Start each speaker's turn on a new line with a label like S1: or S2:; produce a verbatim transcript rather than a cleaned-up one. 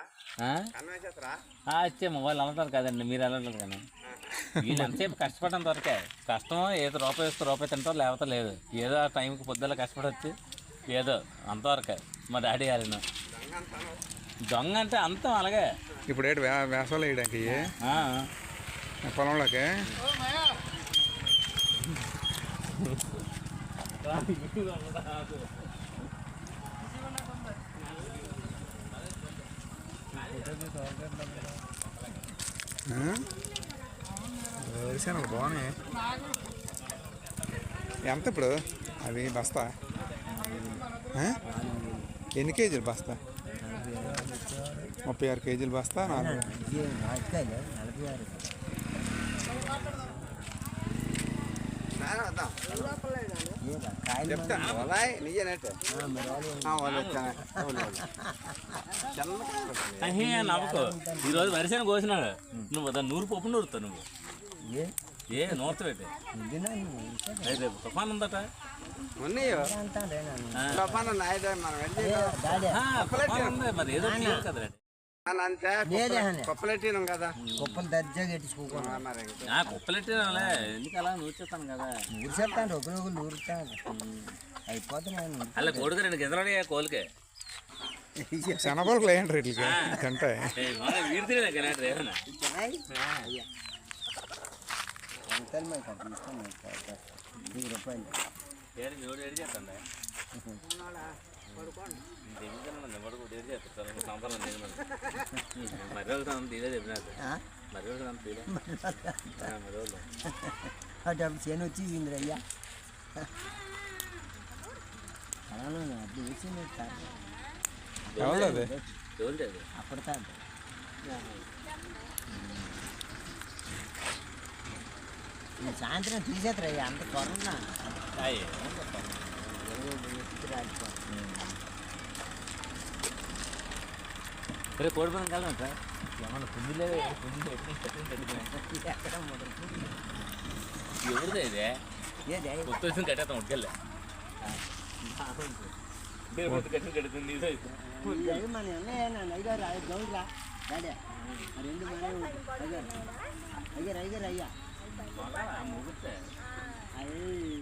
S1: వచ్చే మొబైల్ అమ్ముతారు కదండి, మీరు వెళ్ళలేదు కానీ వీళ్ళు ఎంతసేపు కష్టపడడం దొరకే కష్టం. ఏదో రూపాయి వస్తే రూపాయి తింటారు, లేకపోతే లేదు. ఏదో ఆ టైంకి పొద్దున్న కష్టపడి వచ్చి ఏదో అంతవరకే. మా డాడీ గారిన దొంగ అంటే అంతం అలాగే.
S2: ఇప్పుడు ఏంటి వేసవలు వేయడానికి పొలంలోకి వేసాను బాగున్నాయి. ఎంత ఇప్పుడు అవి బస్తా? ఎన్ని కేజీలు బస్తా? ముప్పై ఆరు కేజీలు బస్తా. నాలుగు
S1: నవ్వుకో. ఈరోజు వరిసేన కోసినాడు, నువ్వు దాన్ని నూరు పప్పు నూరుతావు. నువ్వు ఏ నూరుతా పెట్టి రేపు తుఫాన్ ఉందట. మరి ఏదో కదా
S3: కుప్పలెట్టినాం కదా, కుప్పలు దర్జాగా ఎట్టించుకోకుండా
S1: కుప్పలెట్టినా ఎందుకు అలా నూర్చేస్తాను కదా.
S3: నూరిసేస్తాను ఒకరి ఒకరు నూరుతాను అయిపోతున్నాను.
S1: అలా కొడుకు రెండు గింజలు కోలికే
S2: శనగలు వేయండి రేట్లకి తింటాయి.
S1: వీడి తినే కదా ఏమన్నా
S3: వెయ్యి రూపాయలు
S1: ఏడు ఏడు చేస్తాండి
S3: అటు అప్పుడు చేను వచ్చేసింది అయ్యా. అప్పుడు వచ్చింది అప్పుడు కాదు. సాయంత్రం తీసేస్తారయ్యా, అంత త్వరగా
S1: రేపు కోడిపోయిన కాలం సార్ ఏమన్నా పుంజులే పుంజులు ఎవరిదే ఇదే కొత్త వచ్చింది కట్టేస్తాం ఉడికెళ్ళే కట్టిన కడుతుంది ఇదే
S3: మన అయ్యారు గౌడ్రా డాడీ రెండు మన అయ్యారు అయ్యారు అయ్యారు అయ్యా
S1: ముగితే